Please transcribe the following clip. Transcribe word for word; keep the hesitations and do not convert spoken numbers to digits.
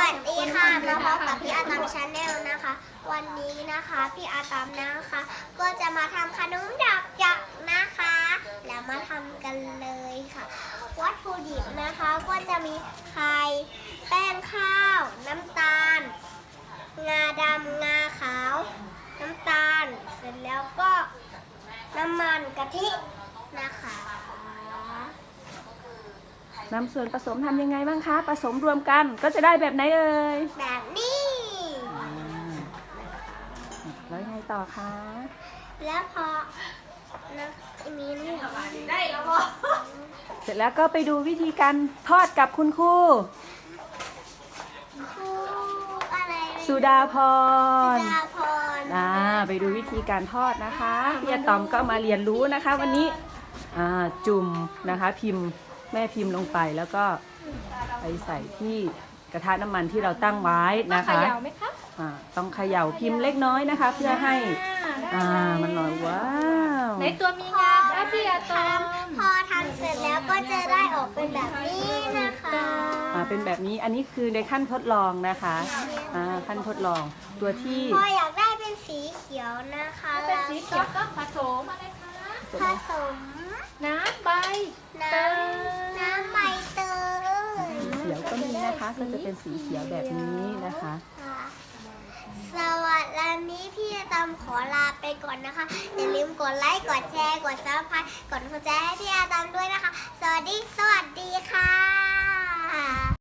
วัสดีค่ะมาพบกับพี่อาตอมชาแนลนะคะวันนี้นะคะพี่อาตอมนะคะก็จะมาทำขนมดอกจักนะคะแล้วมาทำกันเลยค่ะวัตถุดิบนะคะก็จะมีไข่แป้งข้าวน้ำตาลงาดำงาขาวน้ำตาลเสร็จแล้วก็น้ำมันกะทินะคะนำส่วนผสมทำยังไงบ้างคะผสมรวมกันก็จะได้แบบไหนเอ่ยแบบนี้แล้วยังไงต่อคะแล้วพอนะมีนี่ได้แล้วพอเสร็จแล้วก็ไปดูวิธีการทอดกับคุณครูครูอะไรสุดาพรสุดาพรอ่าไปดูวิธีการทอดนะคะพี่อาตอมก็มาเรียนรู้นะคะวันนี้อ่าจุ่มนะคะพิมพ์แม่พิมพ์ลงไปแล้วก็ไปใส่ที่กระทะน้ำมันที่เราตั้งไว้นะคะต้องเขย่าไหมคะอ่าต้องเขย่าพิมพ์เล็กน้อยนะคะเพื่อให้อ่ามันลอยว้าวในตัวมีงาคะพี่อาตอมพอทำเสร็จแล้วก็จะได้ออกเป็นแบบนี้นะคะอ่าเป็นแบบนี้อันนี้คือในขั้นทดลองนะคะอ่าขั้นทดลองตัวที่พออยากได้เป็นสีเขียวนะคะเป็นสีเขียวก็ผสมอะไรคะผสมน้ำใบน้ำน้ำใบเตยสีเขียวก็มีนะคะก็จะเป็นสีเขียวแบบนี้นะคะสวัสดีนี้พี่ตามขอลาไปก่อนนะคะอย่าลืมกดไลค์กดแชร์กดซับสไครต์กดหัวใจให้พี่อาตามด้วยนะคะสวัสดีสวัสดีค่ะ